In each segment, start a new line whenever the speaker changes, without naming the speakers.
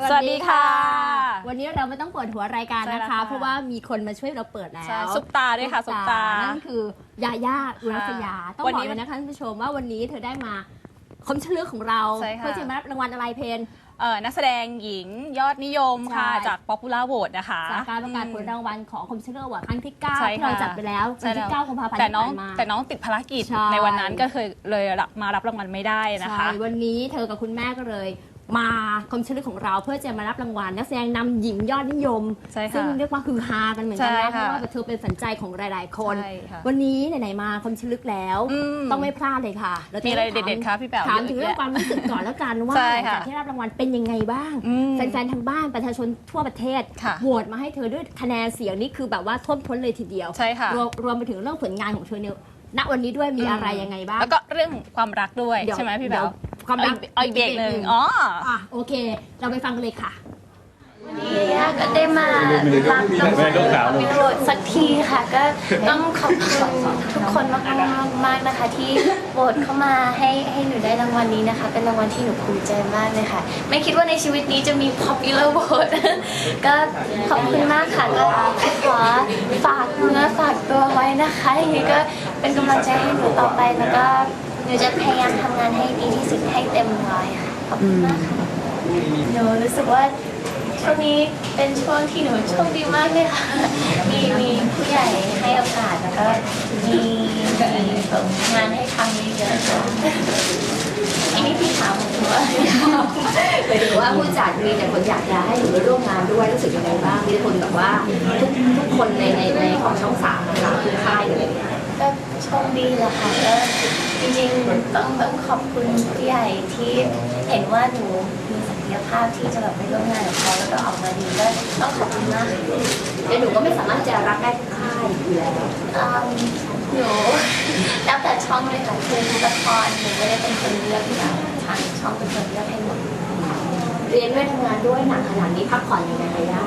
สวัสดีค่ะ
วันนี้เราไม่ต้องเปิดหัวรายการนะคะเพราะว่ามีคนมาช่วยเราเปิดแล้ว
ซุปตาด้วยค่ะซุปตา
นั่นคือยาย่าอุรัสยาต้องบอกเลยนะคะท่านผู้ชมว่าวันนี้เธอได้มาคมเฉลือกของเราเพื่อจะมารับรางวัลอะไรเพน
นักแสดงหญิงยอดนิยมค่ะจาก Popular Vote นะคะ
จากการประกาศผลรางวัลของคมเฉลือกครั้งที่9ที่เราจัดไปแล้ววันที่9 กุมภาพันธ์ที่ผ่านมา
แต่น้องติดภารกิจในวันนั้นก็เลยมารับรางวัลไม่ได้นะคะ
วันนี้เธอกับคุณแม่ก็เลยมาคมเฉลือกของเราเพื่อจะมารับรางวัลนักแสดงนำหญิงยอดนิยมซึ่งเรียกว่าคือฮากันเหมือนกันนะเพราะว่าเธอเป็นฝันใจของหลายๆคนวันนี้ไหนๆมาคมเฉลือกแล้วต้องไม่พลาดเลยค่ะ
มีอะไรเด็ดๆคะพี่แป๋ว
ถามถึงเรื่องความรู้สึกก่อนแล้วกันว่าหลังจากที่รับรางวัลเป็นยังไงบ้างแฟนๆทางบ้านประชาชนทั่วประเทศโหวตมาให้เธอด้วยคะแนนเสียงนี่คือแบบว่าท่วมท้นเลยทีเดียวรวมไปถึงเรื่องผลงานของเธอเนี่ยณวันนี้ด้วยมีอะไรยังไงบ้าง
แล้วก็เรื่องความรักด้วยใช่ไหมพี่แป๋ว
ความรัก
อีกเบรกหนึ่ง
โอเคเราไปฟังกันเลยค่ะ
วันนี้ย่าก็ได้มารับรางวัลวิโรจน์สักทีค่ะก็ต้องขอบคุณทุกคนมากนะคะที่โหวตเข้ามาให้หนูได้รางวัลนี้นะคะเป็นรางวัลที่หนูภูมิใจมากเลยค่ะไม่คิดว่าในชีวิตนี้จะมี popular vote ก็ขอบคุณมากค่ะก็ขอฝากเนื้อฝากตัวไว้นะคะอย่างนี้ก็เป็นกำลังใจให้หนูต่อไปแล้วก็หนูจะพยายามทำงานให้ดีที่สุดให้เต็มร้อยค่ะขอบคุณมากค่ะหนูรู้สึกว่าช่วงนี้เป็นช่วงที่หนูโชคดีมากเลยค่ะมีผู้ใหญ่ให้โอกาสแล้วก็มีงานให้ทำเยอะๆค่ะอันนี้พี่ถามหนูว่า
หมายถึงว่าผู้จัดมีแต่คนอยากจะให้หนูไปร่วมงานด้วยรู้สึกยังไงบ้างมีคนแบบว่าทุกคนในของช่อง3นะคะคือค่ายเลย
ก็โชคดีแหละค่ะก็จริงๆต้องขอบคุณผู้ใหญ่ที่เห็นว่าหนูมีศักยภาพที่จะแบบไปร่วมงานกับเขาแล้วก็ออกมาดีก็ต้องขอบคุณมาก
แต่หนูก็ไม่สามารถจะรับได้ทุกค่ายอยู่แล้ว
หนูแล้วแต่ช่องเลยค่ะคือละครหนูไม่ได้เป็นคนเลือกค่ะทางช่องเป็นคนเลือกให้หมด
เรียนด้วยทำงานด้วยหนักขนาดนี้พักผ่อนยังไงได้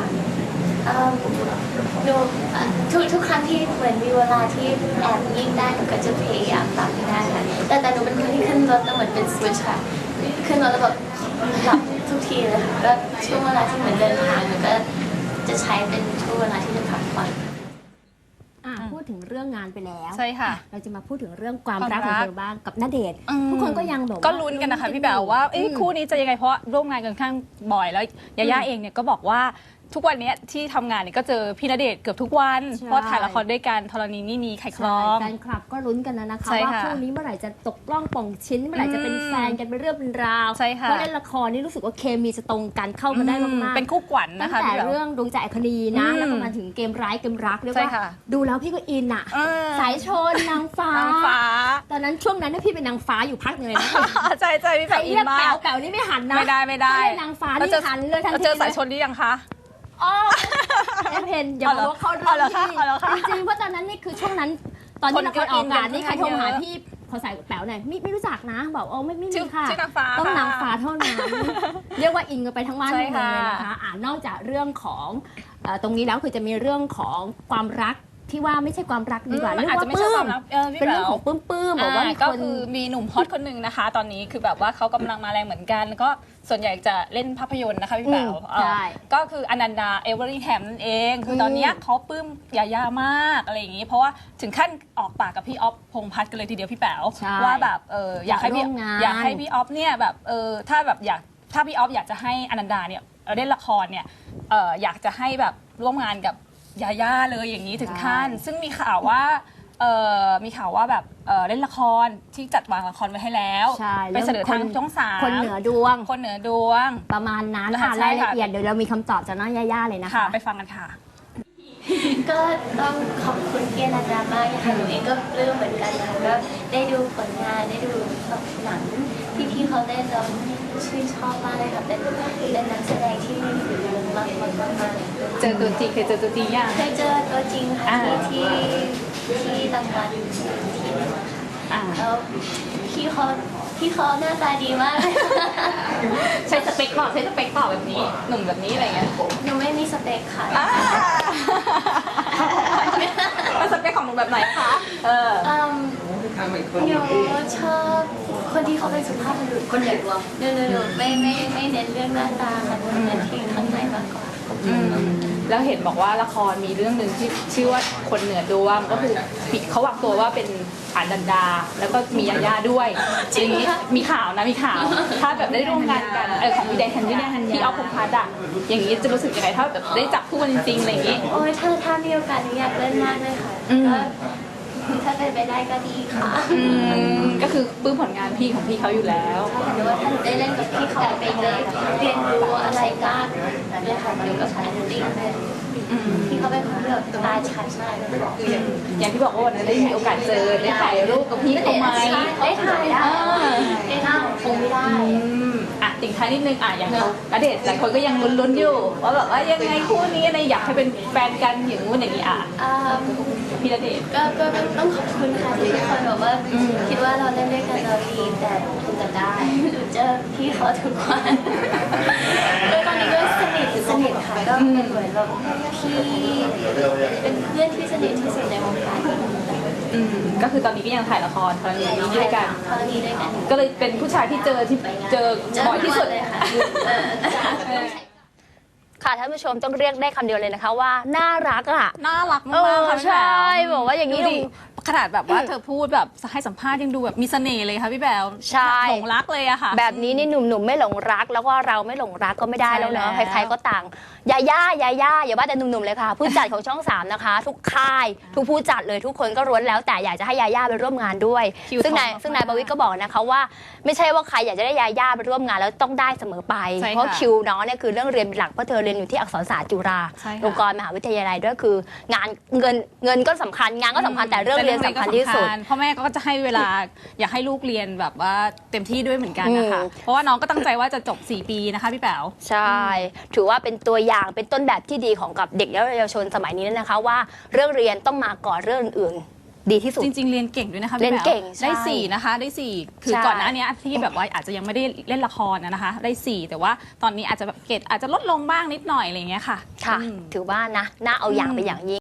หนูทุกครั้งที่เหมือนมีเวลาที่แอบยิ่งได้หนูก็จะพยายามตามให้ได้ค่ะแต่หนูเป็นคนที่ขึ้นรถแล้วเหมือนเป็นสวิตช์ค่ะขึ้นรถแล้วแบบหลับทุกทีเลยค่ะก็ช่วงเวลาที่เหมือนเดินทางหนูก็จะใช้เป็นช่วงเวลาที่จะพักผ่อน
พูดถึงเรื่องงานไปแล้ว
ใช่ค่ะ
เราจะมาพูดถึงเรื่องความรักของเธอบ้างกับณเดชน์ทุกคนก็ยังแบบ
ก็ลุ้นกันนะคะพี่แป๋วว่าคู่นี้จะยังไงเพราะร่วมงานกันข้างบ่อยแล้วยาย่าเองเนี่ยก็บอกว่าทุกวันนี้ที่ทำงานเนี่ยก็เจอพี่ณเดชน์เกือบทุกวันเพราะถ่ายละครด้วยกันธรณีนี่นีไข่คลอง
แฟนคลับก็ลุ้นกันนะคะว่าคู่นี้เมื่อไหร่จะตกล่องป่องชิ้นเมื่อไหร่จะเป็นแฟนกันเป็นเรื่องเป็นราวเพราะเล่นละครนี่รู้สึกว่าเคมีจะตรงกันเข้ากันได้มาก
ๆเป็นคู่ขวัญนะคะ
ตั้งแต่เรื่องดวงใจอัคนีนะแล้วก็มาถึงเกมร้ายเกมรักเรียกว่าดูแล้วพี่ก็อินอ่ะสายชนนางฟ้าตอนนั้นช่วงนั้นพี่เป็นนางฟ้าอยู่พักหนึ่งเลยนะ
ใช่พี่แป๋วอินมาก
แป๋วนี่ไม่หันนะ
ไม่ได้
นางฟ้านี่หันเลยทันที
เจอสายชนหรือยังคะ
เพนอย่าบอกว่าเขาเรื่องที่จริงๆเพราะตอนนั้นนี่คือช่วงนั้นตอนที่ละครออกอากาศนี่ใครโทรหาพี่ขอสายแป๋วหน่อยไม่รู้จักนะบอกไม่มีค่ะต้องนางฟ้าเท่านั้นเรียกว่าอินกันไปทั้งบ้านเลยนะคะนอกจากเรื่องของตรงนี้แล้วคือจะมีเรื่องของความรักที่ว่าไม่ใช่ความรักดีกว่าเรื่องว่าปลื้มเป็นเรื่องของปลื้มบอกว่า
ก็คือมีหนุ่มฮอตคนหนึ่งนะคะ ตอนนี้คือแบบว่าเขากำลังมาแรงเหมือนกันแล้วก็ส่วนใหญ่จะเล่นภาพยนตร์นะคะพี่แป๋วก็คืออนันดาเอเวอรี่แฮมนั่นเองคือตอนนี้เขาปลื้มยาย่ามากอะไรอย่างนี้เพราะว่าถึงขั้นออกปากกับพี่ออฟพงษ์พัฒน์กันเลยทีเดียวพี่แป๋วว่าแบบอยากให้พี่ออฟเนี่ยแบบถ้าพี่ออฟอยากจะให้อนันดาเนี่ยเล่นละครเนี่ยอยากจะให้แบบร่วมงานกับยาย่าเลยอย่างนี้ถึงขั้นซึ่งมีข่าวว่าแบบเล่นละครที่จัดวางละครไว้ให้แล้วไปเสนอทางช่อง3
คนเหนือดวงประมาณนั้นค่ะรายละเอียดเดี๋ยวเรามีคำตอบจากน้องยาย่าเลยนะคะ
ไปฟังกันค่ะ
ก็ต้องขอบคุณพี่อนันดามากค่ะหนูเองก็ปลื้มเหมือนกันค่ะก็ได้ดูผลงานได้ดูหนังที่พี่เขาเล่นแล้วชื่นชอบมากเลยค่ะเป็นนักแสดงที่มีฝีมือมาก
เจอตัวจริงเคยเจอตัวจริงยัง
เคยเจอตัวจริงค่ะที่รางวัลที่นึงค่ะแล้วพี่เขาหน้าตาดีมาก
ใช้สเปคเปล่าแบบนี้หนุ่มแบบนี้อะไรเงี้ย
หนูไม่มีสเปคค่ะ
เป็นสเปคของหนูแบบไหนคะ
หนูชอบคนที่เขาเป็นสุภาพบุรุษคนเหนือตัวหนูไม่เน้นเรื่องหน้าตาค่ะเน้นที่ข้างในมากกว่า
แล้วเห็นบอกว่าละครมีเรื่องหนึ่งที่ชื่อว่าคนเหนือดวงก็คือเขาวางตัวว่าเป็นอนันดาแล้วก็มียาย่าด้วยอย่างนี้มีข่าวนะมีข่าวถ้าแบบได้ร่วมงานกันของพี่แดงฮันที่เอาพงษ์พัฒน์อะอย่างนี้จะรู้สึกยังไงถ้าแบบได้จับคู่กันจริงๆอะไรอย่างนี้
โอ้ยถ้ามีโอกาสอยากเล่นมากเลยค่ะก็ถ้าเป็นไปได้ก็ดีค่ะ
ก็คือปลื้มผลงานพี่ของพี่เขาอยู่แล้ว
หรือว่าถ้าหนูได้เล่นกับพี่เขาไปเลยเรียนรู้อะไรก็เลยค่ะอยู่กับพี่ติ๊กเลยพี่เขาเป็นคนที่แบบตาชัดมาก
อย่างที่บอกว่าวันนั้นได้มีโอกาสเจอได้ถ่ายรูปกับพี่เขาไหม
ได้ถ่ายได้ได้ถ่ายคงไม่ได้
ติ่งท้ายนิดนึงอย่างเขาณเดชน์หลายคนก็ยังลุ้นๆอยู่ว่าแบบว่ายังไงคู่นี้อะไรอยากให้เป็นแฟนกันอย่างนู้นอย่างนี้พี่ณเดชน์
ก็ต้องขอบคุณค่ะที่ทุกคนบอกว่าคิดว่าเราเล่นด้วยกันเราดีแต่คุณจะได้เจอพี่เขาทุกวันก็ตอนนี้ก็สนิทค่ะก็เป็นเหมือนแบบพี่เป็นเพื่อนที่สนิทที่สุดในวงการ
ก็คือตอนนี้ก็ยังถ่ายละครกรณีนี้ด้วยกันก็เลยเป็นผู้ชายที่เจอบ่อยที่สุดเลยค่ะ
ค่ะท่านผู้ชมต้องเรียกได้คำเดียวเลยนะคะว่าน่ารัก
น่ารักมากค่ะ
ใช่บอกว่าอย่างนี้
ขนาดแบบว่าเธอพูดแบบให้สัมภาษณ์ยังดูแบบมีเสน่ห์เลยค่ะพี่แบว
ใช่
หลงรักเลยอะค่ะ
แบบนี้นี่หนุ่มๆไม่หลงรักแล้วก็เราไม่หลงรักก็ไม่ได้แล้วเนาะใครๆก็ต่างยาย่าอย่าว่าแต่หนุ่มๆเลยค่ะผู้จัดของช่อง3นะคะทุกค่ายทุกผู้จัดเลยทุกคนก็ร้วนแล้วแต่อยากจะให้ยาย่าไปร่วมงานด้วยซึ่งนายประวิตรก็บอกนะคะว่าไม่ใช่ว่าใครอยากจะได้ยาย่าไปร่วมงานแล้วต้องได้เสมอไปเพราะคิวน้องเนี่ยคือเรื่องเรียนเป็นหลักเพราะเธอเรียนอยู่ที่อักษรศาสตร์จุฬาลงกรณ์มหาวิทยาลัยด้วยคืองานเงินก็สำคัญงานก็สำคัญแต่เรื่องเรียนสำคัญที่สุด
พ่อแม่ก็จะให้เวลาอยากให้ลูกเรียนแบบว่าเต็มที่ด้วยเหมือนกันนะคะเพราะว่าน้องก็ตั้งใจว่าจะจบ4 ปีนะคะพี่แป๋ว
ใช่ถือว่าเป็นตัวอย่างเป็นต้นแบบที่ดีของกับเด็กและเยาวชนสมัยนี้นะคะว่าเรื่องเรียนต้องมาก่อนเรื่องอื่นดีที่สุด
จริงๆเรียนเก่งด้วยนะคะ
เรียนเก่ง
ได้4นะคะได้4คือก่อนหน้านี้ที่แบบว่าอาจจะยังไม่ได้เล่นละครนะคะได้4แต่ว่าตอนนี้อาจจะแบบเกรดอาจจะลดลงบ้างนิดหน่อยอะไรอย่างเงี้ยค่ะ
ค่ะถือว่านะน่าเอาอย่างไปอย่างยิ่ง